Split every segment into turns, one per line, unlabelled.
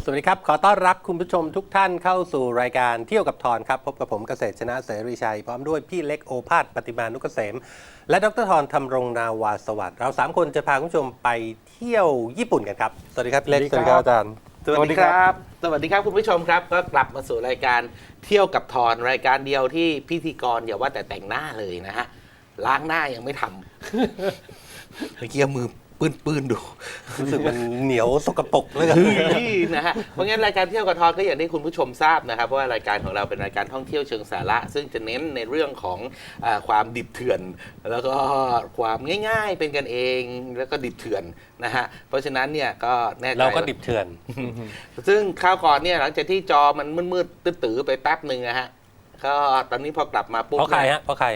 วัสดีครับขอต้อนรับคุณผู้ชมทุกท่านเข้าสู่รายการเที่ยวกับทอนครับพบกับผมเกษตรชนะเสรีชัยพร้อมด้วยพี่เล็กโอภาสปฏิมานุกเกษมและดรทอนธำรงนาวาสวัสดิ์เรา3คนจะพาคุณผู้ชมไปเที่ยวญี่ปุ่นกันครับสวัสดีครับพี่เล็กสวัสดีครับอาจารย์
สวัสดีครับสวัสดีครับคุณผู้ชมครับก็กลับมาสู่รายการเที่ยวกับทอนรายการเดียวที่พิธีกรอย่าว่าแต่แต่งหน้าเลยนะฮะล้างหน้ายังไม่ทำเมื่อกี้มือปื้นดู
รู้สึกมันเหนียวสกปรกเลย
นะฮะเพราะงั้นรายการเที่ยวกับทอนก็อย่างที่คุณผู้ชมทราบนะครับว่ารายการของเราเป็นรายการท่องเที่ยวเชิงสาระซึ่งจะเน้นในเรื่องของความดิบเถื่อน แล้วก็ความง่ายๆเป็นกันเองแล้วก็ดิบเถื่อนนะฮะเพราะฉะนั้นเนี่ยก็แน่ใจ
เราก็ดิบเถื่อน
ซึ่งคราวก่อนเนี่ยหลังจากที่จอมันมืดๆตื้อๆไปแป๊บหนึ่งนะฮะก็ตอนนี้พอกลับมาปุ๊บ
เพราะใครฮะเพราะใคร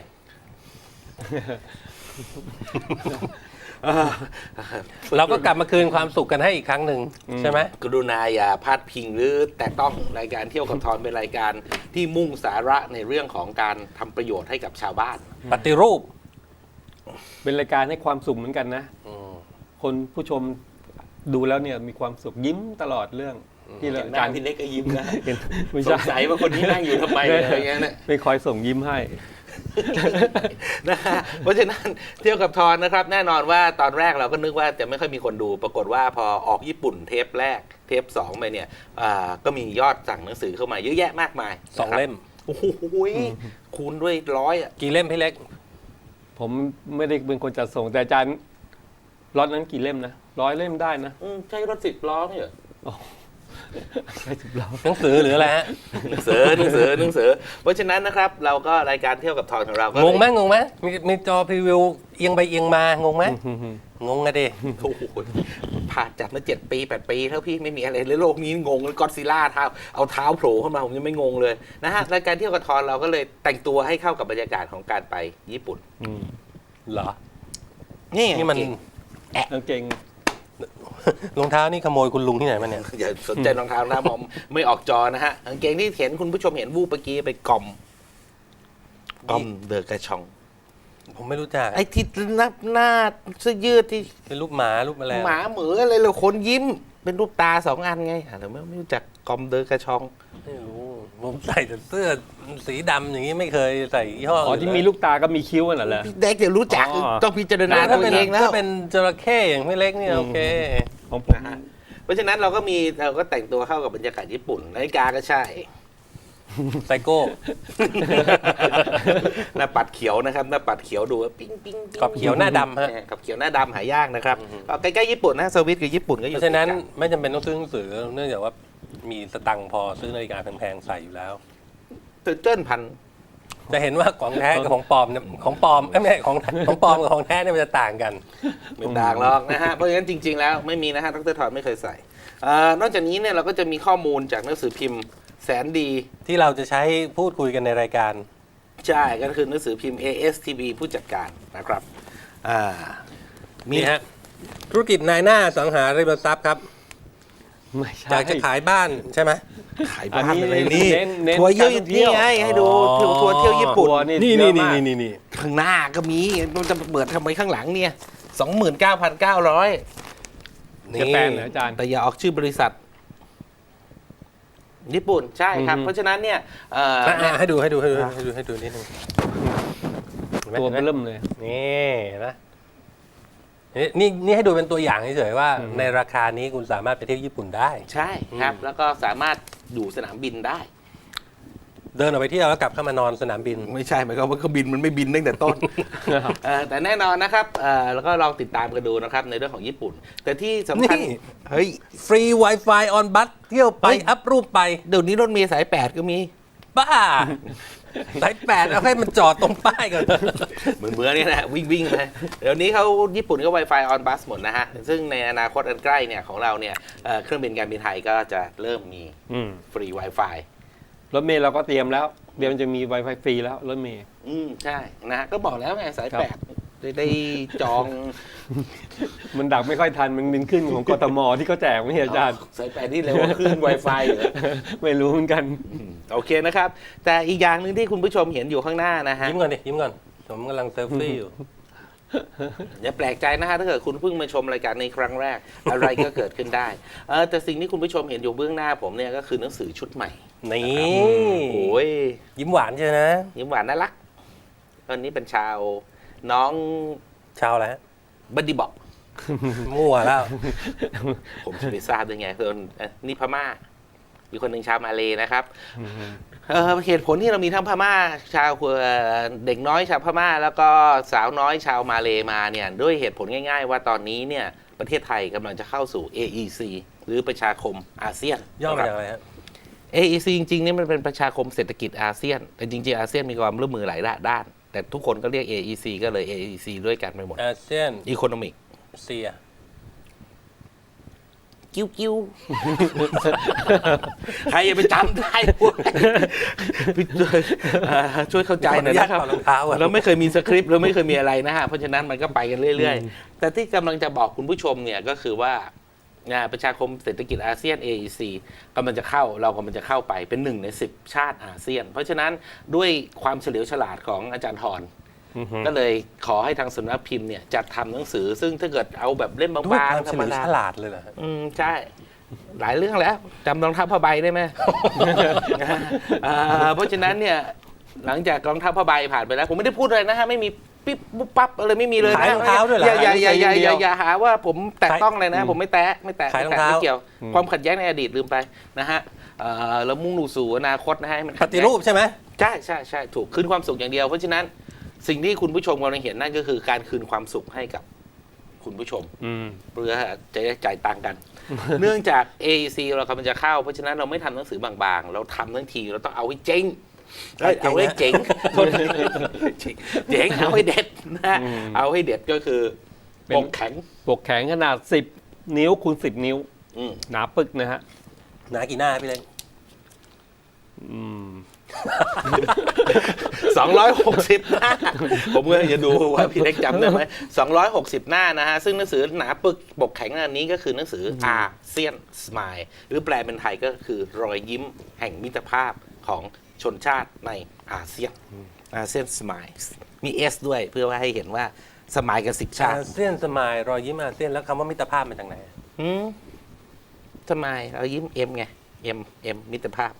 เราก็กลับมาคืนความสุขกันให้อีกครั้งหนึ่งใช่ไหม
กรุณาอย่าพาดพิงหรือแต่ต้องรายการเที่ยวกับทอนเป็นรายการที่มุ่งสาระในเรื่องของการทำประโยชน์ให้กับชาวบ้าน
ปฏิรูป
เป็นรายการให้ความสุขเหมือนกันนะ คนผู้ชมดูแล้วเนี่ยมีความสุขยิ้มตลอดเรื่องที่
ห
ราย
น้า
การ
พี่เล็กก็ยิ้มนะ
ไม่
ส
ใช่
งสัยว่าคนนี้นั่งอยู่ทำไมอะไรอย่างเงี้ยนะ
ไม่คอยส่งยิ้มให้
นะฮะเพราะฉะนั้นเที่ยวกับทอนนะครับแน่นอนว่าตอนแรกเราก็นึกว่าจะไม่ค่อยมีคนดู ปรากฏว่าพอออกญี่ปุ่นเทปแรกเทป2ไปเนี่ยก็มียอดสั่งหนังสือเข้ามาเยอะแยะมากมาย
2 เล่ม
โอ้โหคูณด้วย100อ่ะ
กี่เล่มพี่เล็ก
ผมไม่ได้เป็นคนจัดส่งแต่อาจารย์ล็อตนั้นกี่เล่มนะ100 เล่มได้นะ
ใช่รถ10 ล้อเนี่ย
ใช่10 ล้อ
หนังสือหรืออะไรฮะ
หนังสือเพราะฉะนั้นนะครับเราก็รายการเที่ยวกับทอนของเราก็
งงไหมมีจอพรีวิวเอียงไปเอียงมางงไหมงงอะดิ
โอ้โหผ่านจัดมา7 ปี 8 ปีแล้วพี่ไม่มีอะไรเลยโลกนี้งงเลยก็อดซิลล่าเท้าเอาเท้าโผล่ขึ้นมาผมยังไม่งงเลยนะฮะรายการเที่ยวกับทอนเราก็เลยแต่งตัวให้เข้ากับบรรยากาศของการไปญี่ปุ่น
เหรอ
นี่
นี่มัน
กางเกง
รองเท้านี่ขโมยคุณลุงที่ไหนมาเนี่ย
อย่าสนใจรองเท้านะผมไม่ออกจอนะฮะกางเกงที่เห็นคุณผู้ชมเห็นวูบเมื่อกี้ไปกอมเดอะกระชอง
ผมไม่รู้จัก
ไอ้ที่หน้าเสื้อยืดที่
เป็นรูปหมารูปอะไร
หมาเหมืออะไรเลยคนยิ้ม เป็นรูปตา2 อันไงแต่ไม่รู้จักกอมเดอะกระชอง
ไม่รู้ผมใส่แต่เสื้อสีดำอย่างนี้ไม่เคยใส่ยี่ห้อ
อ๋อที่มีลูกตาก็มีคิ้วน่ะเหรอ
พี่เด็กจะรู้จัก
อ๋อ
ต้องพิจารณา
ถ้า
ตัว
เป็น
เองแล้ว
ถ้าเป็นจระเข้อย่างพี่เล็กเนี่ยโอเค
ของผม
นะฮะเพราะฉะนั้นเราก็แต่งตัวเข้ากับบรรยากาศญี่ปุ่นนาฬิกาก็ใช่
ไซโก้
หน้าปัดเขียวนะครับหน้าปัดเขียวดูว่าปิ้งปิ้งปิ้ง
กรอบเขียวหน้าดำฮะ
กับเขียวหน้าดำหายากนะครับก็ใกล้ๆญี่ปุ่นนะสวิตกับญี่ปุ่นก็อ
เพ
ยู่
ราะฉะนั้น
ติดกั
ไม่จำเป็นต้องซื้อหนังสือเนื่องจากว่ามีสตังค์พอซื้อนาฬิกาแพงๆใส่อยู่แล้ว
เจิ้นพัน
จะเห็นว่าของแท้กับของปลอมเนี่ยของปลอมไม่ใช่ของปลอมกับของแท้เนี่ยมันจะต่างกัน
ไม่ต่างหรอกนะฮะเพราะฉะนั้นจริง ๆ แล้วไม่มีนะฮะดรทอนไม่เคยใส่นอกจากนี้เนี่ยเราก็จะมีข้อมูลจากหนังสือพิมพ์แสนดี
ที่เราจะใช้พูดคุยกันในรายการ
ใช่ก็คือหนังสือพิมพ์ ASTV ผู้จัดการนะครับมี
นี่ฮะธุรกิจนายหน้าอสังหาริมทรัพย์ครับ
ไม่ใช่
อยากจะขายบ้านใช่ไหม
ขายบ้านอะไรนี่
เน้น
ทัวร์เที่ยว
การท่องเที่
นี่
ยว
ไงให้ดูทัวร์เที่ยวญี่ปุ่น
ทัวร์นี่
นี่
เย
นี่
อะ
นี่
มาก
นี่นี่
ข้างหน้าก็มีมันจะเปิดทำไมข้างหลังเนี่ย 29,900
จะแปลนเหรออาจารย์
แต่อย่าออกชื่อบริษัท ญี่ปุ่นใช่ครับ เพราะฉะนั้นเนี่ยเนี่ย
ให้ดูนิดนึง
ตัวเริ่มเลย
นี่นะนี่ให้ดูเป็นตัวอย่างเฉยๆว่าในราคานี้คุณสามารถไปเที่ยวญี่ปุ่นได้
ใช่ครับ แล้วก็สามารถอยู่สนามบินได้
เดินออกไปเที่ยวแล้วกลับเข้ามานอนสนามบิน
ไม่ใช่หมายความว่าเครื่องบินมันไม่บินตั้งแต่ต้น แต่แน่นอนนะครับแล้วก็ลองติดตามกันดูนะครับในเรื่องของญี่ปุ่น แต่ที่สำคัญ
นี่
เฮ้ย
ฟรี Wi-Fi on bus เที่ยวไป
เฮ้ย
อัพรูปไป
เดี๋ยวนี้รถเมล์สาย 8 ก็มี
บ้าสาย8เอาให้มันจอดตรงป้ายก่อน
เหมือนนี่แหละวิ่งนะเดี๋ยวนี้เขาญี่ปุ่นก็ Wi-Fi on bus หมดนะฮะ ซึ่งในอนาคตอันใกล้เนี่ยของเราเนี่ยเครื่องบินการบินไทยก็จะเริ่มมีฟรี Wi-Fi
รถเมล์เราก็เตรียมแล้วเดี๋ยวมันจะมี Wi-Fi ฟรีแล้วรถเมล์
ใช่นะฮะก็บอกแล้วไงสาย
ครับ
8ได้จอง
มันดักไม่ค่อยทันมันบินขึ้นของกทมที่เขาแจกไม่ใช่อาจารย์
สาย8นี่เร็วกว่าคลื่น Wi-Fi เหรอ
ไม่รู้เหมือนกัน
โอเคนะครับ แต่อีกอย่างหนึ่งที่คุณผู้ชมเห็นอยู่ข้างหน้านะฮะ
ยิ้มก่อนดิยิ้มก่อนผมกำลังเซลฟี่อยู่
อย่าแปลกใจนะฮะถ้าเกิดคุณเพิ่งมาชมรายการในครั้งแรก อะไรก็เกิดขึ้นได้แต่สิ่งที่คุณผู้ชมเห็นอยู่เบื้องหน้าผมเนี่ยก็คือหนังสือชุดใหม่
นี่
โอ้ย
ยิ้มหวานใช่ไหม
ยิ้มหวานน่ารักตอนนี้เป็นชาวน้อง
ชาวอะไรฮะ
บัดดี้บอก
มั่วแล้ว
ผมจะไปทราบได้ไงส่วนนี่พม่ามีคนหนึ่งชาวมาเลนะครับเหตุผลที่เรามีทั้งพม่าชาวเด็กน้อยชาวพม่า แล้วก็สาวน้อยชาวมาเลมาเนี่ยด้วยเหตุผลง่ายๆว่าตอนนี้เนี่ยประเทศไทยกำลังจะเข้าสู่ AEC หรือประชาคมอาเซียน
ย่อมาจากอะไรฮะ
AEC จริงๆนี่มันเป็นประชาคมเศรษฐกิจอาเซียนแต่จริงๆอาเซียนมีความร่วมมือหลายด้านแต่ทุกคนก็เรียก AEC ก็เลย AEC ด้วยกันไปหมด
อาเซียน
Economic
เซีย
กิ้วใครจะไปจำได้พวกช่วยเข้าใจหน่อยนะครับ
ขออนุญาตถอดรองเท้าก่อน
เราไม่เคยมีสคริปต์เราไม่เคยมีอะไรนะฮะเพราะฉะนั้นมันก็ไปกันเรื่อยๆ แต่ที่กำลังจะบอกคุณผู้ชมเนี่ยก็คือว่าประชาคมเศรษฐกิจอาเซียน AEC กำลังจะเข้าเรากำลังจะเข้าไปเป็น1 ใน 10 ชาติอาเซียน เพราะฉะนั้นด้วยความเฉลียวฉลาดของอาจารย์ธรก็เลยขอให้ทางสำนักพิมพ์เนี่ยจัดทำหนังสือ ซึ่งถ้าเกิดเอาแบบเล่มบ
ด้วย
าง
ความ
ๆธ
เฉ
รรม
ลียว
ดา
ฉลาดเลยเหรอฮะ
ใช่ หลายเรื่องแล้วจำรองเท้าผ้าใบได้ไหม เพราะฉะนั้นเนี่ยหลังจากรองเท้าผ้าใบผ่านไปแล้ว ผมไม่ได้พูดอะไรนะฮะไม่มีปิ๊บปุ๊บปั๊บอะไรไม่มีเลยนะ
ขายรองเท้าด้วยเหรอ
อย่าหาว่าผมแตะต้องเลยนะ ผมไม่แตะ
ขายรองเท้า
ไม่เกี่ยว ความขัดแย้งในอดีตลืมไปนะฮะแล้วมุ่งสู่อนาคตนะฮะให้มัน
ปฏิรูปใช่ไหม
ใช่ถูกคืนความสุขอย่างเดียวเพราะฉะนั้นสิ่งที่คุณผู้ชมกำลังเห็นนั่นก็คือการคืนความสุขให้กับคุณผู้ชมเพื่อจะได้จ่ายตังค์กัน เนื่องจาก AEC เรากำลังจะเข้าเพราะฉะนั้นเราไม่ทำหนังสือบางๆ เราทำทั้งทีเราต้องเอาให้เจ๊งเอาให้เจ๋งเจ๋งเอาให้เด็ดนะเอาให้เด็ดก็คือปกแข็ง
ปกแข็งขนาด10 นิ้วคูณ10 นิ้วหนาปึกนะฮะ
หนากี่หน้าพี่เล็ก
260 หน้า ผมก็จะดูว่าพี่เล็กจำได้ไหม260 หน้านะฮะ ซึ่งหนังสือหนาปึกปกแข็งอันนี้ก็คือหนังสืออาเซียนสมายหรือแปลเป็นไทยก็คือรอยยิ้มแห่งมิตรภาพของชนชาติในอาเซียนอาเซียนสมายมี S ด้วยเพื่อว่าให้เห็นว่าสมายกับ10 ชาติ
อาเซียนสมายรอยยิ้มอาเซียนแล้วคำว่ามิตรภาพมาจากไหน
สมายเรายิ้ม M ไง M มิตรภาพ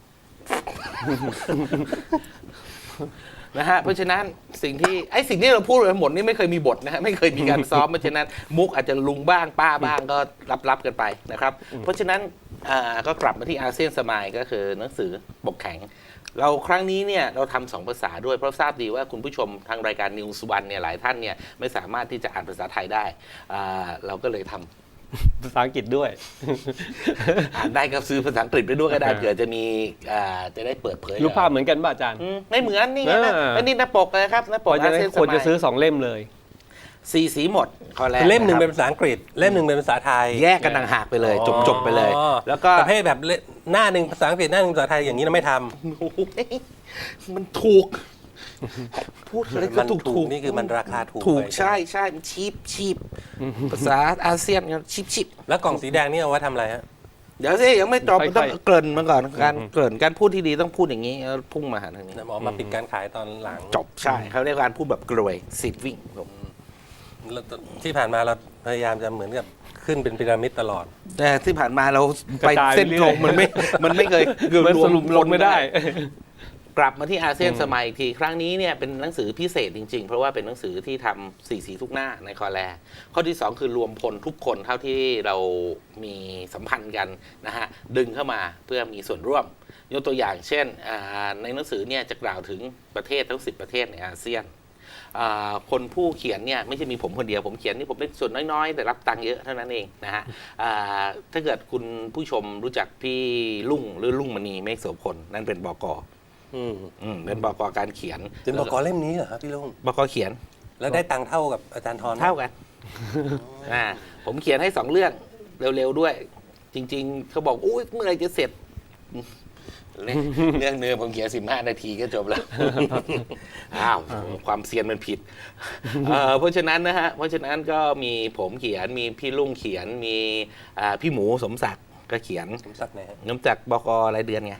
นะฮะเพราะฉะนั้นสิ่งที่เราพูดไปหมดนี่ไม่เคยมีบทนะฮะไม่เคยมีการซ้อมเพราะฉะนั้นมุกอาจจะลุงบ้างป้าบ้างก็รับกันไปนะครับเพราะฉะนั้นก็กลับมาที่อาเซียนสมายก็คือหนังสือปกแข็งเราครั้งนี้เนี่ยเราทำ2 ภาษาด้วยเพราะทราบดีว่าคุณผู้ชมทางรายการ News One เนี่ยหลายท่านเนี่ยไม่สามารถที่จะอ่านภาษาไทยได้เราก็เลยทำ
ภาษาอังกฤษด้วย
อ่านได้ก็ซื้อภาษาอังกฤษไปด้วยก็ได้เผื่อจะมีจะได้เปิดเผย
รูปภาพเหมือนกันป่ะอาจารย์
ไม่เหมือนนี่ไงนะอันนี้หน้าปกเลยครับหน้าป
เพ
ก
ราะฉะ
อา
นั้น
เซียนส
ควร
มั
จะซื้อย 2 เล่มเลย
สีหมดข้อแรก
เล่มหนึ่ง
ะค
เป็
รับ
นภาษาอังกฤษเล่มหนึ่งเป็นภาษาไทย
แยกกันต่างหากไปเลยจบไปเลย
อ๋อ
แล้วก็
ประเภทแบบหน้าหนึ่งภาษาอังกฤษหน้าหนึ่งภาษาไทยอย่างนี้เราไม่ทำ
โอ้โหมันถูก พูดอะไรก็
มัน
ถูก
นี่คือมันราคาถูก
ถูก
ไป
ใช่มันชีพภาษาอาเซียนชีพ
แล้วกล่องสีแดงนี่เอาไว้ทำอะไรฮะ
เดี๋ยวสิยังไม่จบ
ค่อยๆ
ต้องเกริ่นมาก่อนการเกริ่นการพูดที่ดีต้องพูดอย่างนี้แล้วพุ่งมาหาทางนี้
หมอมาปิดการขายตอนหลัง
จบใช่เขาเรียกการพูดแบบกรวยสิบวิ่งผม
แล้วที่ผ่านมาเราพยายามจะเหมือนกับขึ้นเป็นพีระมิดตลอด
แต่ที่ผ่านมาเราไป
กระจาย
เส้นตรงมันไม่เคย
มันสรุปลงไม่ได้
กลับมาที่อาเซียนสมัยอีกทีครั้งนี้เนี่ยเป็นหนังสือพิเศษจริงๆ เพราะว่าเป็นหนังสือที่ทำสีทุกหน้าในคอแลข้อที่ 2 คือรวมพลทุกคนเท่าที่เรามีสัมพันธ์กันนะฮะดึงเข้ามาเพื่อมีส่วนร่วมยกตัวอย่างเช่นในหนังสือเนี่ยจะกล่าวถึงประเทศทั้ง10 ประเทศในอาเซียนคนผู้เขียนเนี่ยไม่ใช่มีผมคนเดียวผมเขียนนี่ผมได้ส่วนน้อยๆ แต่รับตังค์เยอะเท่านั้นเองนะฮะถ้าเกิดคุณผู้ชมรู้จักพี่ลุงหรือลุงมณีเมฆโสพลนั่นเป็นบก.เป็นบก.การเขียน
เป็นบกเล่มนี้เหรอครับพี่ลุง
บก.เขียน
แล้วได้ตังค์เท่ากับอาจารย์ทรไหม
เท่ากันผมเขียนให้2 เรื่องเร็วๆด้วย จริงๆเขาบอกอุ้ยเมื่อไหรจะเสร็จ เรื่องเนื้อผมเขียน15 นาทีก็จบแล้ว อ้าวความเซียนมันผิดเพราะฉะนั้นนะฮะเพราะฉะนั้นก็มีผมเขียนมีพี่ลุงเขียนมีพี่หมูสมศักดิ์ก็เขียน
สมศักดิ์ไหนฮะ
น้ำจากบก.รายเดือนไง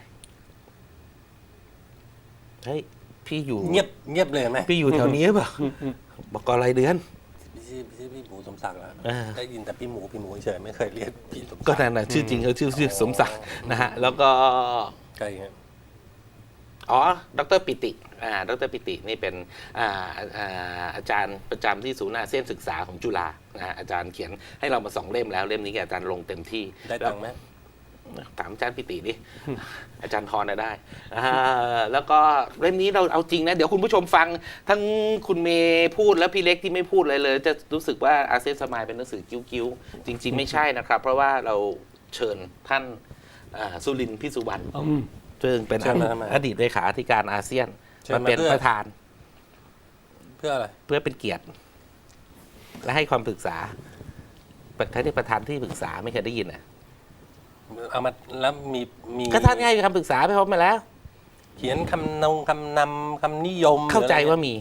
เฮ้ยพี่อยู่
เงียบเลยไหม
พี่อยู่แถวนี้หรือเปล่าบก.รายเดือน
ชื่อพี่หมูสมศักดิ์แล้ว
เออ
ได้ยินแต่พี่หมูเฉยไม่เคยเรียกพี่สมศักดิ์
ก็นั่นนะชื่อจริงเขาชื่อสมศักดิ์นะฮะแล้วก็
ใช่ครับ
อ๋อ ดรปิติ ดรปิตินี่เป็นอาจารย์ประจำที่ศูนย์อาเซียนศึกษาของจุฬานะฮะอาจารย์เขียนให้เรามา2 เล่มแล้ว เล่มนี้อาจารย์ลงเต็มที่
ได้ตังค์ไหม
ถามอาจารย์ปิติดิ อาจารย์ทรน่ะได้แล้วก็เล่มนี้เราเอาจริงนะ เดี๋ยวคุณผู้ชมฟัง ทั้งคุณเมย์พูดแล้วพี่เล็กที่ไม่พูดเลย จะรู้สึกว่าอาเซียนสมายเป็นหนังสือกิ้วๆ จริง ๆ ไม่ใช่นะครับ เพราะว่าเราเชิญท่านสุรินทร์พิสุวรรณ ซึ่งเป็น
เชิญมาทำไม
อดีตเลขาธิการอาเซียน
เชิญ
มา
มา
เป็น
เพื่อ
ประธาน
เพื่ออะไร
เพื่อเป็นเกียรติ และให้ความปรึกษาประธานที่ปรึกษาไม่เคยได้ยินอ่ะ
เอามาแล้วมี
ก็ท่านให้คำปรึกษาไปพบมาแล้ว
เขียนคำนำคำนิยม
เข้าใจว่า
หรือ
มี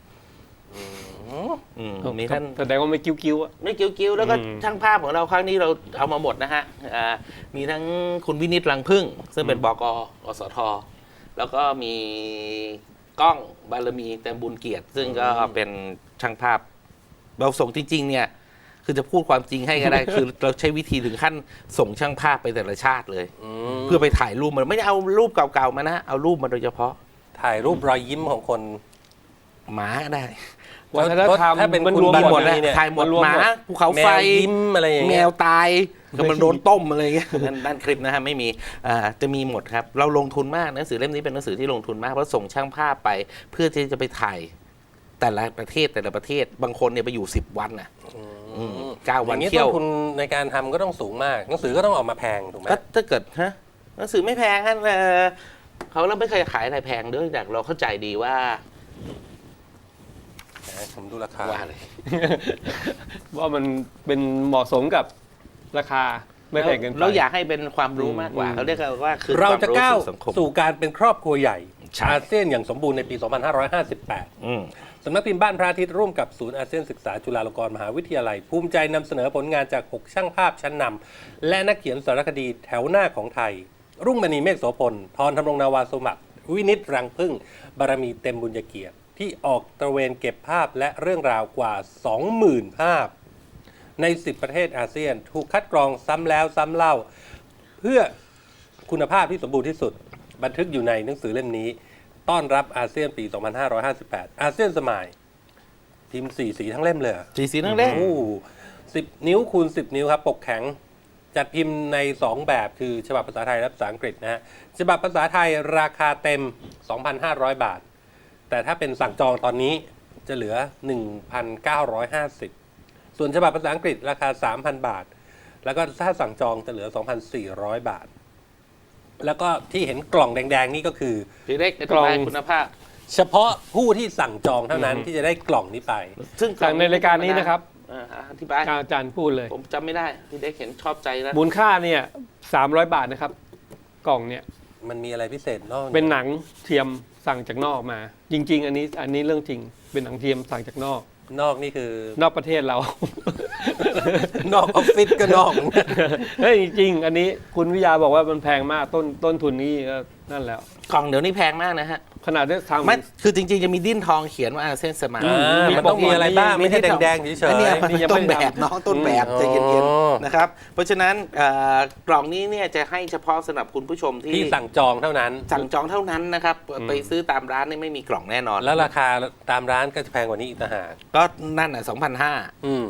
มี
ท่า
ท่าน น
แสดงว่าไม่กิ้วๆอ่ะ
ไม่กิ้วๆแล้วก็
อืม
ช่างภาพของเราครั้งนี้เราเอามาหมดนะฮะมีทั้งคุณวินิตรังพึ่ง ซึ่งเป็นบก.กสท แล้วก็มีก้องบารมีเต็มบุญเกียรติ ซึ่งก็เป็นช่างภาพ เราส่งจริง ๆ เนี่ย คือจะพูดความจริงให้ก็ได้ คือเราใช้วิธีถึงขั้นส่งช่างภาพไปแต่ละชาติเลย
ม
เพื่อไปถ่ายรูปมันไม่ได้เอารูปเก่าๆมานะ เอารูปมาโดยเฉพาะ
ถ่ายรูปรอยยิ้มของคน
หมาก็ได้
วัฒนธรรม
ถ้าเป็น
มัน
คุณ
รวม
บ้าน
หมด
นะ
นะ
เนี่ย
ถ่ายหมด
มันรวม
หมา
หมด
ภูเขา
แม
ไฟ
วยิ้มอะไรอย่าง
แม
เงี้ยว
ตายก็มันโดนต้มอะไรอย่างเงี้ยด้านคลิปนะฮะไม่มีจะมีหมดครับ เราลงทุนมากหนังสือเล่มนี้เป็นหนังสือที่ลงทุนมากเพราะส่งช่างภาพไปเพื่อที่จะไปถ่ายแต่ละประเทศบางคนเนี่ยไปอยู่10 วันน่ะ 9 วัน
อย่างนี้
เที่
ต้
ย
น
ว
ทุนในการทำก็ต้องสูงมาก หนังสือก็ต้องออกมาแพงถูกไหม
ก็ถ้าเกิดหนังสือไม่แพงฮะเขาเราไม่เคยขายอะไรแพงด้วยแต่เราเข้าใจดีว่า
ผมดูราคา
ว่าอะไร
ว่ามันเป็นเหมาะสมกับราคาไม่แพงเกินไป
เราอยากให้เป็นความรู้มากกว่า
อืม
เขาเรียกว่าคือ
เราจะก้าว
ความรู้สู่สังคม
สู่การเป็นครอบครัวใหญ่
ใช่
อาเซียนอย่างสมบูรณ์ในปี 2558
อืม
สำนักพิมพ์บ้านพระอาทิตย์ร่วมกับศูนย์อาเซียนศึกษาจุฬาลงกรณ์มหาวิทยาลัย ภูมิใจนำเสนอผลงานจาก 6 ช่างภาพชั้นนำและนักเขียนสารคดีแถวหน้าของไทย รุ่งมณีเมฆโสพลทรธำรงนาวาสมัคร วินิตรังพึ่ง บารมีเต็มบุญเกียรติ ที่ออกตระเวนเก็บภาพและเรื่องราวกว่า 20,000 ภาพ ใน 10 ประเทศอาเซียน ถูกคัดกรองซ้ำแล้วซ้ำเล่า เพื่อคุณภาพที่สมบูรณ์ที่สุด บันทึกอยู่ในหนังสือเล่มนี้ ต้อนรับอาเซียนปี 2558 อาเซียนสมัยพิมพ์4 สีทั้งเล่มเลยเหรอ
สีนั่งเล่น
โอ้10 นิ้วคูณ 10 นิ้วครับ ปกแข็ง จัดพิมพ์ใน 2 แบบคือฉบับภาษาไทยและภาษาอังกฤษนะฮะ ฉบับภาษาไทยราคาเต็ม 2,500 บาท แต่ถ้าเป็นสั่งจองตอนนี้จะเหลือ 1,950 ส่วนฉบับภาษาอังกฤษราคา 3,000 บาท แล้วก็ถ้าสั่งจองจะเหลือ 2,400 บาท แล้วก็ที่เห็นกล่องแดงๆนี่ก็คือ
พี่เล็กอธิบายคุณภาพ
เฉพาะผู้ที่สั่งจองเท่านั้นที่จะได้กล่องนี้ไป
ซึ่ง
จากในรายการนี้นะครับ
อธิบาย
อาจารย์พูดเลย
ผมจำไม่ได้ พี่เล็กเห็นชอบใจแล้ว
มูลค่าเนี่ย300 บาทนะครับ กล่องเนี่ย
มันมีอะไรพิเศษนอก
เป็นหนังเทียมสั่งจากนอกมา จริง ๆ อันนี้เรื่องจริง เป็นหนังเทียมสั่งจากนอก
นอกนี่คือน
อกประเทศเรา
นอกออฟฟิศก็นอกเหมือนกัน
เฮ้ยจริงๆอันนี้คุณวิทยาบอกว่ามันแพงมากต้นทุนนี่ก็นั่นแล้ว
กล่องเดี๋ยวนี้แพงมากนะฮะ
ขนาดได้ทำ
ไม่คือจริงๆ จะมีดิ้นทองเขียนว่าอาเซียนสมาย
มันต้องมีอะไรบ้าง ไม่ใช่แดงๆเฉย
อันเนี้ย
ๆ
มันต้นแบบน้องต้นแบบใจเย็นๆนะครับ เพราะฉะนั้นกล่องนี้เนี่ยจะให้เฉพาะสำหรับคุณผู้ชมที่
ที่สั่งจองเท่านั้น
สั่งจองเท่านั้นนะครับ ไปซื้อตามร้านนี่ไม่มีกล่องแน่นอน
แล้วราคาตามร้านก็จะแพงกว่านี้อีกต่างหาก
ก็นั่นอ่ะ2,500
อืม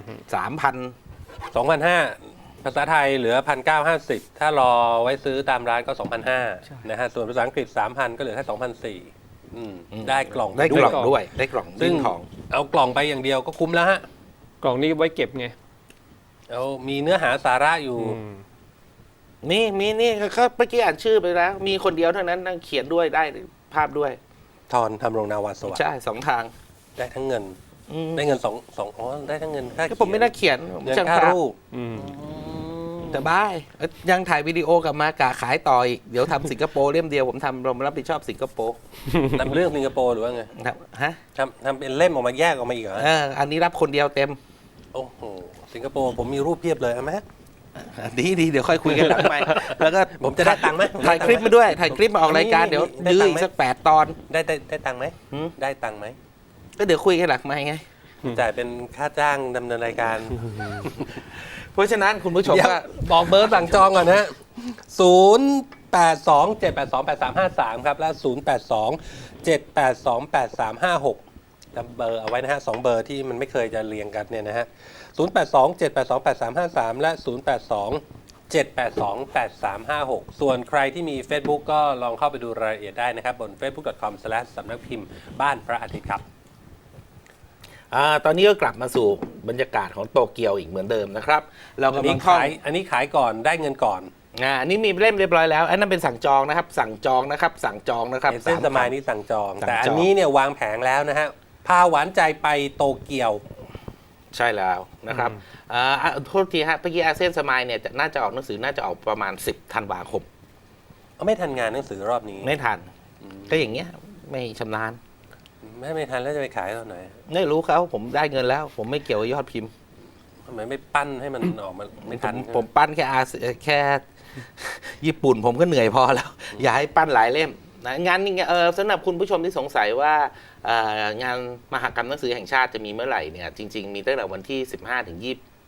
3,000
2,500 ภาษาไทยเหลือ 1,950 ถ้ารอไว้ซื้อตามร้านก็ 2,500 นะฮะ ส่วนภาษาอังกฤษ 3,000 ก็เหลือแค่ 2,400 ได้กล่อง
ได้กล่อง
ด้วย
ด้วยได้กล่อง
ซึ่
ดิ้
ง
นทอง
เอากล่องไปอย่างเดียวก็คุ้มแล้วฮะ
กล่องนี้ไว้เก็บไง
เอามีเนื้อหาสาระอยู่
นี่ก็เมื่อกี้อ่านชื่อไปแล้ว มีคนเดียวเท่านั้นนั่งเขียนด้วยได้ภาพด้วย
ทรทำรงนาวาสวัสดิ์
ใช่2 ทาง
ได้ทั้งเงิน
อืม
ได้เงินสองอ๋อได้ทั้งเงินค่า
ก็ผมไม่น่าเขียนผม
เงิน
ช่าง
ค่า
ภาพ
รูป
แต่บ้ายยังถ่ายวิดีโอกลับมากะขายต่ออีกเดี๋ยวทำสิงคโปร์เล่มเดียวผมทำเรารับผิดชอบสิงคโปร์
ทำเรื่องสิงคโปร์หรือว่าไง
ครับฮะ
ทำเป็นเล่มออกมาแยกออกมาอีกเหรอ
อันนี้รับคนเดียวเต็ม
โอ้โห สิงคโปร์ผมมีรูปเพียบเลยเอาไหม
ดีเดี๋ยวค่อยคุยกันหลังไมค์แล้วก็
ผมจะได้ตังค์ไหม
ถ่ายคลิปมาด้วยถ่ายคลิปมาออกรายการเดี๋ยว
ได้
ยื้อ
ตังค์
อี
ไหม
กสัก8 ตอน
ได้ตังค์ไหม
หืม
ได้ตังค์ไหม
ก็เดี๋ยวคุยกันหลังไมค์ไง
จ่ายเป็นค่าจ้างดำเนินรายการ
เพราะฉะนั้นคุณผู้ชม
เดี๋ยว
ก็
บอกเบอร์สั่งจองก่อนนะฮะ0827828353 ครับ และ 0827828356 จำเบอร์เอาไว้นะฮะสองเบอร์ที่มันไม่เคยจะเรียงกันเนี่ยนะฮะ0827828353 และ 0827828356 ส่วนใครที่มี Facebook ก็ลองเข้าไปดูรายละเอียดได้นะครับ บน facebook.com/ สำนักพิมพ์บ้านพระอาทิตย์ครับ
ตอนนี้ก็กลับมาสู่บรรยากาศของโตเกียวอีกเหมือนเดิมนะครับ เรา
อัน
กำลั
นี้
งท่อง
อันนี้ขายก่อนได้เงินก่อน
อันนี้มีเล่มเรียบร้อยแล้วอันนั้นเป็นสั่งจองนะครับ สั่งจองนะครับ สั่งจองนะครับ
เส้นสมาย
3,000
นี่สั่งจอง
สั่งจอง
แต่อันนี้เนี่ยวางแผงแล้วนะฮะ พาหวานใจไปโตเกียว
ใช่แล้วนะครับโทษทีฮะเมื่อกี้อาเซียนสมายเนี่ยน่าจะออกหนังสือน่าจะออกประมาณ 10 ธันวาคม
ไม่ทันงานหนังสือรอบนี้
ไม่ทันก็อย่างเงี้ยไม่ชำนาญ
ไม่ทันแล้วจะไปขายตอนไหน
ไม่รู้เขาผมได้เงินแล้ว ผมไม่เกี่ยวกับยอดพิมพ์
ทำไมไม่ปั้นให้มันออกมาไม่ทัน
ผมปั้นแค่ ญี่ปุ่นผมก็เหนื่อยพอแล้ว อย่าให้ปั้นหลายเล่มนะงานนี้สำหรับคุณผู้ชมที่สงสัยว่างานมหกรรมหนังสือแห่งชาติจะมีเมื่อไหร่เนี่ยจริงๆมีตั้งแต่วันที่ 15 ถึง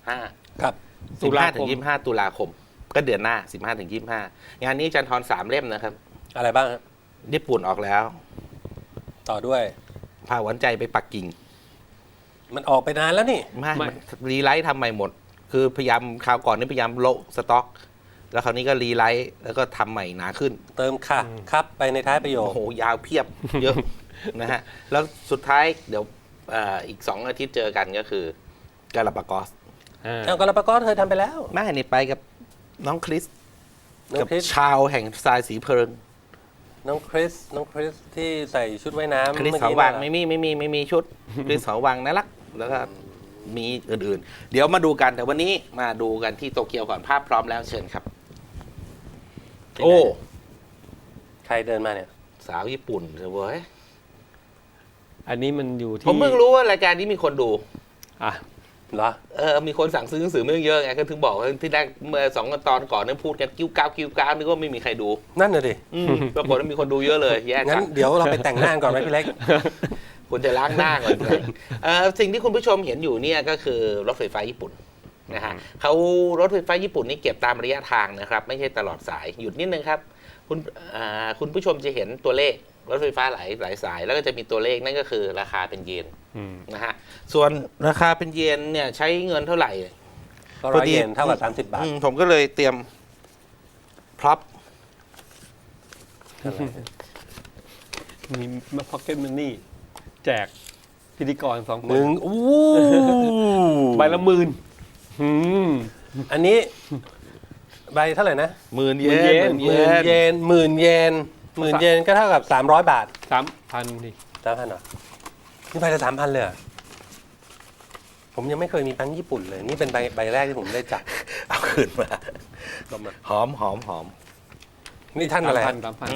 25
ครับ
15 ถึง 25 ตุลาคม ก็เดือนหน้า 15 ถึง 25 งานนี้อาจันทร3 เล่มนะครับ
อะไรบ้างฮะ
ญี่ปุ่นออกแล้ว
ต่อด้วย
พาหวานใจไปปักกิ่ง
มันออกไปนานแล้วนี่
ไม่รีไลท์ทำใหม่หมด คือพยายามคราวก่อนนี่พยายามโละสต็อก แล้วคราวนี้ก็รีไลท์แล้วก็ทำใหม่หนาขึ้น
เติมค่ะครับไปในท้ายประโยค
โอ้โห ยาวเพียบ เยอะ นะฮะ แล้วสุดท้ายเดี๋ยวอีก 2 อาทิตย์เจอกันก็คือกาลาปากอส
เอากาลาปากอสเคยทำไปแล้ว
แม่นี่ไปกับน้องคริส
น้อง
กับ
คริส
ชาวแห่งทรายสีเพลิง
น้องคริสที่ใส่ชุดว่ายน้ำ
คริส
เมื่อ
เขา
กี้
วัง
น่ะ
ไม่มีชุด คริสเขาวังน่ารัก แล้วก็มีอื่นๆ เดี๋ยวมาดูกัน แต่วันนี้มาดูกันที่โตเกียวก่อนภาพพร้อมแล้วเชิญครับ โอ้
ใครเดินมาเนี่ย
สาวญี่ปุ่นเลยเว้ย
อันนี้มันอยู่ที่
ผมเพิ่งรู้ว่ารายการนี้มีคนดู
อ่ะ
เหรอ
มีคนสั่งซื้อหนังสือไม่เยอะไงก็ถึงบอกว่าที่แรกเมื่อ2 ตอนก่อนนั้นพูดกันกิ้วก้าวนึกว่าไม่มีใครดู
นั่นน่ะดิ
ปรากฏว่ามีคนดูเยอะเลยแย่
งั้
จั
น
ง
เดี๋ยวเราไปแต่งหน้าก่อนไหมพี่เล็ก
คุณจะล้างหน้าก่อนเลยสิ่งที่คุณผู้ชมเห็นอยู่เนี่ยก็คือรถไฟฟ้าญี่ปุ่นนะฮะเขารถไฟฟ้าญี่ปุ่นนี่เก็บตามระยะทางนะครับ ไม่ใช่ตลอดสายหยุดนิดนึงครับคุณผู้ชมจะเห็นตัวเลขรถไฟฟ้าหลายสาย แล้วก็จะมีตัวเลขนั่นก็คือราคาเป็นเยนนะฮะส่วนราคาเป็นเยนเนี่ยใช้เงินเท่าไหร่
ก็ร้อยเยนเท่ากับ30 บาท
ผมก็เลยเตรียมพร็อพ
มีมาพ็อกเก็ตมันนี่แจกพิธีกร2 ค
ห
น
นึ่งอู้
ใบละ10,000อืม
อันนี้ใบเท่าไหร่นะ
10,000 เย
หมื่นเยน
หมื่นเยนก็เท่ากับ300 บาท
3,000ดิ
3,000เหรอนี่ใบละ3,000เลยเหรอผมยังไม่เคยมีแบงค์ญี่ปุ่นเลย นี่เป็นใบแรกที่ผมได้จับ
เอาคืนมา
ก็มา
หอม
นี่ท่านอะไร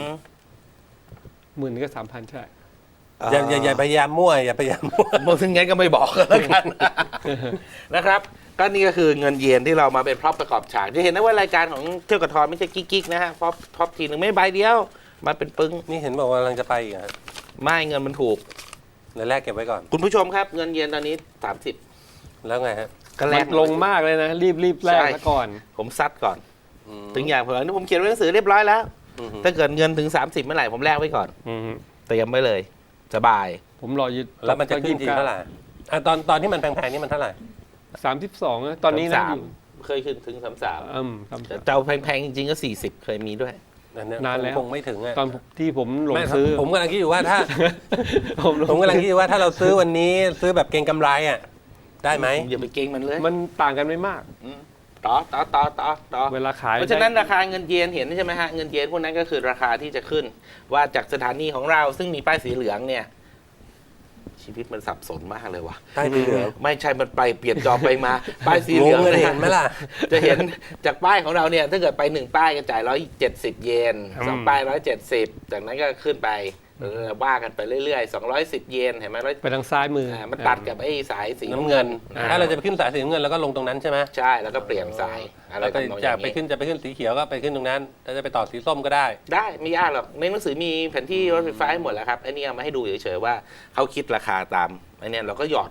10,000ก็ 3,000 ใช่
อย่าพยายามมั่วอย่าพยายามมั่ว
เมื่อถึงงั้นก็ไม่บอกแล้วกัน นะครับ ก็นี่ก็คือเงินเยนที่เรามาเป็นพร็อพประกอบฉากจะเห็นนะว่ารายการของเที่ยวกับทอนไม่ใช่กิ๊กๆนะฮะพร็อพทีหนึ่งไม่ใบเดียวมาเป็นปึ้ง
นี่เห็นบอกว่ากำลังจะไปอีกเหรอ
ไม่เงินมันถูก
เดี๋ยวแรกเก็บไว้ก่อน
คุณผู้ชมครับเงินเยนตอนนี้ 30
แล้วไงฮะ
ก็แล
มั
ก
นลงมากเลยนะ รีบแลกซะก่อน
ผมซัดก่อน
อืม
ถึงอย่างผมผมเขียนหนังสือเรียบร้อยแล้ว
อืม
ถ้าเกิดเงินถึง 30เมื่อไหร่ผมแลกไว้ก่อน
อืม
เตรียมไว้เลย สบาย
ผมรอยึด
แล้วมันจะขึ้นทีเท่าไหร่ตอนที่มันแพงๆนี่มันเท่าไหร่
32นะตอนนี้นะอยู่
เคยขึ้นถึง 33
33
เจ้าแพงๆจริงๆก็40เคยมีด้วย
นานแล้ว
คงไม่ถึงอะ
ตอนที่ผมหลง
ไม่
ซื้อ
ผมกำลังคิดอยู่ว่าถ้า
ผมหลง
ผมกำลังคิดอยู่ว่าถ้าเราซื้อวันนี้ซื้อแบบเก็งกำไรอ่ะได้ไหม
อย่าไปเก่งมันเลย
มันต่างกันไม่มาก
ต่อ
เวลาขาย
เพราะฉะนั้นราคาเงินเยนเห็นใช่ไหมฮะเงินเยนพวกนั้นก็คือราคาที่จะขึ้น ว่าจากสถานีของเราซึ่งมีป้ายสีเหลืองเนี่ย ชีวิตมันสับสนมากเลยว่ะ
ใต้สีเหลือง
ไม่ใช่มันไปเปลี่ยนจอไปมา ป้ายสีเหลือง
งงเลย
นะ
เห็นไหมล่ะ
จะเห็นจากป้ายของเราเนี่ยถ้าเกิดไป1ป้ายก็จ่าย170 เยน2ป้าย170จากนั้นก็ขึ้นไปว่ากันไปเรื่อยๆ210 เยนเห็นไหม
ไปทางซ้ายมือ
มันตัดกับไอ้สายสี
น้ำเงิน ถ้าเราจะไปขึ้นสายสีน้ำเงินเราก็ลงตรงนั้นใช่ไหม
ใช่แล้วก็เปลี่ยนสายอะไร
แล้วก็
ทำนองอ
จะ
ย่าง
ไป
นี้
ขึ้นสีเขียวก็ไปขึ้นตรงนั้นถ้าจะไปต่อสีส้มก็ได้
ได้ไม่ยากหรอกในหนังสือมีแผนที่รถไฟฟ้าให้หมดแล้วครับไอ้นี่เอามาให้ดูเฉยๆว่าเขาคิดราคาตามไอ้เนี่ยเราก็หยอด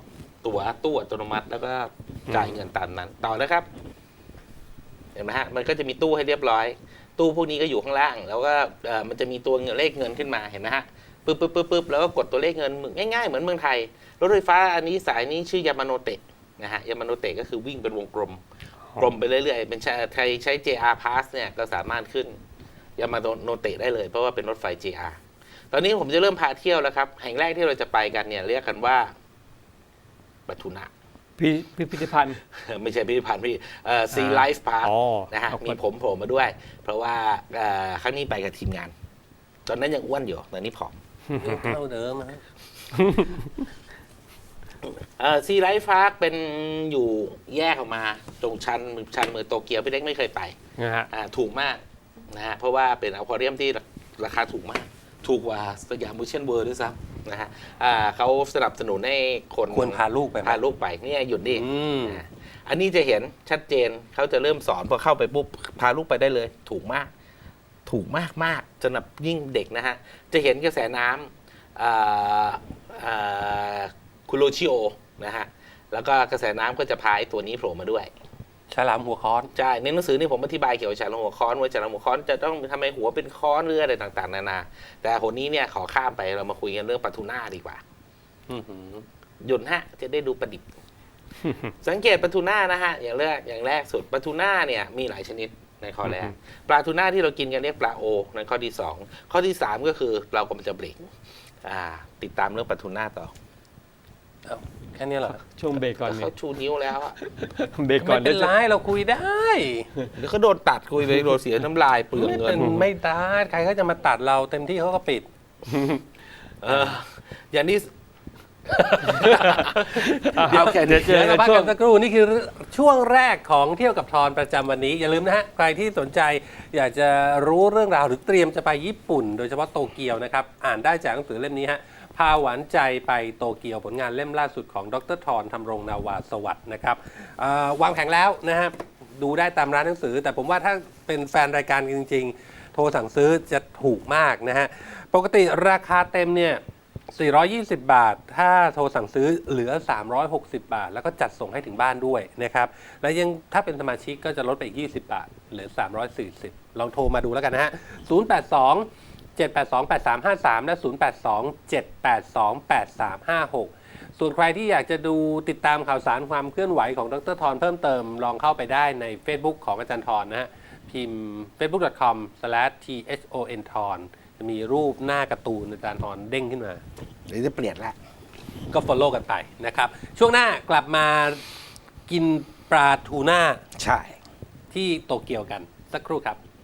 ตั๋วตู้อัตโนมัติ แล้วก็จ่ายเงินตามนั้นต่อนะครับ เห็นไหมฮะมันก็จะมีตู้ให้เรียบร้อย ตู้พวกนี้ก็อยู่ข้างล่าง แล้วก็มันจะมีตัวเลขเงินขึ้นมาเห็นไหมฮะปึ๊บแล้วก็กดตัวเลขเงินง่ายๆเหมือนเมืองไทยรถไฟฟ้าอันนี้สายนี้ชื่อยามาโนเตะนะฮะยามาโนเตะก็คือวิ่งเป็นวงกลมไปเรื่อยๆเป็นใครใช้ JR Pass เนี่ยก็สามารถขึ้นยามาโนเตะได้เลยเพราะว่าเป็นรถไฟ JR ตอนนี้ผมจะเริ่มพาเที่ยวแล้วครับแห่งแรกที่เราจะไปกันเนี่ยเรียกกันว่าปทุนะ
พิพิธภัณฑ์
ไม่ใช่พิพิธภัณฑ์พี่Sea Life Park
อ๋อ
นะฮะ
เอาไป
มีผมโผล่มาด้วย เพราะว่าครั้งนี้ไปกับทีมงาน ตอนนั้นยังอ้วนอยู่ตอนนี้ผอม
เท่าเดิมนะฮะ
Sea Life Park เป็นอยู่แยกออกมาตรงชั้นเมืองโตเกียวพี่เล็กไม่เคยไป
นะฮะ
ถูกมากนะฮะเพราะว่าเป็นอควาเรียมที่ราคาถูกมาก ถูกกว่าสยามมูเชนเวิร์ด้วยซ้ำนะฮะเขาสนับสนุนให้คน
ควรพาลูกไปไหม
พาลูกไปเนี่ยหยุดดิ
อืม
อันนี้จะเห็นชัดเจนเขาจะเริ่มสอนพอเข้าไปปุ๊บพาลูกไปได้เลย ถูกมากสำหรับยิ่งเด็กนะฮะ จะเห็นกระแสน้ำคุโรชิโอนะฮะ แล้วก็กระแสน้ำก็จะพาไอ้ตัวนี้โผล่มาด้วย
ฉลามหัวค้อน
ใช่ในหนังสือนี่ผมอธิบายเกี่ยวกับฉลามหัวค้อนว่าฉลามหัวค้อนจะต้องทำไมหัวเป็นค้อนหรืออะไรต่างๆนานาแต่คนนี้เนี่ยขอข้ามไปเรามาคุยกันเรื่องปลาทูน่าดีกว่า
อื้อหือ
หยุดฮะจะได้ดูประดิษฐ์ สังเกตปลาทูน่านะฮะอย่างแรกสุดปลาทูน่าเนี่ยมีหลายชนิดในข้อแรกปลาทูน่าที่เรากินกันเรียกปลาโอในข้อที่ 2 ข้อที่ 3 ก็คือเรากำลังจะเบรกติดตามเรื่องปลาทูน่าต่อ
เอ้าแค่นี้เหรอ
ช่วงเบรกก่อน
เขาชูนิ้วแล้วอะ
เบรกก่อน
ไม่เป็นไรเราคุยได้
เดี๋ยวเขาโดนตัดคุยไปโดนเสียน้ำลายเปลือง
ไม่
เงิ
เป็น นไม่ได้ใครก็จะมาตัดเราเต็มที่เขาก็ปิด
อย่างนี้
โอเคเดี๋ยวเจอ
เดี๋ยว
กั
เรา
น
พัก
ช่ว
กั
ง
นสักครู่นี่คือช่วงแรกของเที่ยวกับทอนประจำวันนี้อย่าลืมนะฮะใครที่สนใจอยากจะรู้เรื่องราวหรือเตรียมจะไปญี่ปุ่น โดยเฉพาะโตเกียวนะครับอ่านได้จากหนังสือเล่มนี้ฮะพาหวานใจไปโตเกียวผลงานเล่มล่าสุดของดรทรธำรงนาวาสวัสดิ์นะครับวางแผงแล้วนะฮะดูได้ตามร้านหนังสือ แต่ผมว่าถ้าเป็นแฟนรายการจริงๆโทรสั่งซื้อจะถูกมากนะฮะปกติราคาเต็มเนี่ย420 บาท ถ้าโทรสั่งซื้อเหลือ 360 บาท แล้วก็จัดส่งให้ถึงบ้านด้วยนะครับ แล้วยังถ้าเป็นสมาชิกก็จะลดไปอีก 20 บาท เหลือ 340 ลองโทรมาดูแล้วกันนะฮะ 082 782 8353 และ 082 782 8356 ส่วนใครที่อยากจะดูติดตามข่าวสารความเคลื่อนไหวของดรทรเพิ่มเติม ลองเข้าไปได้ใน Facebook ของอาจารย์ทรนะฮะ พิมพ์ facebook.com/thon ทรจะมีรูปหน้าการ์ตูนอาจารย์ทรเด้งขึ้นมา
เดี๋ยวจะเปลี่ยนละ
ก็ follow กันไปนะครับ ช่วงหน้ากลับมากินปลาทูน่า
ใช่
ที่โตเกียวกัน สักครู่ครับ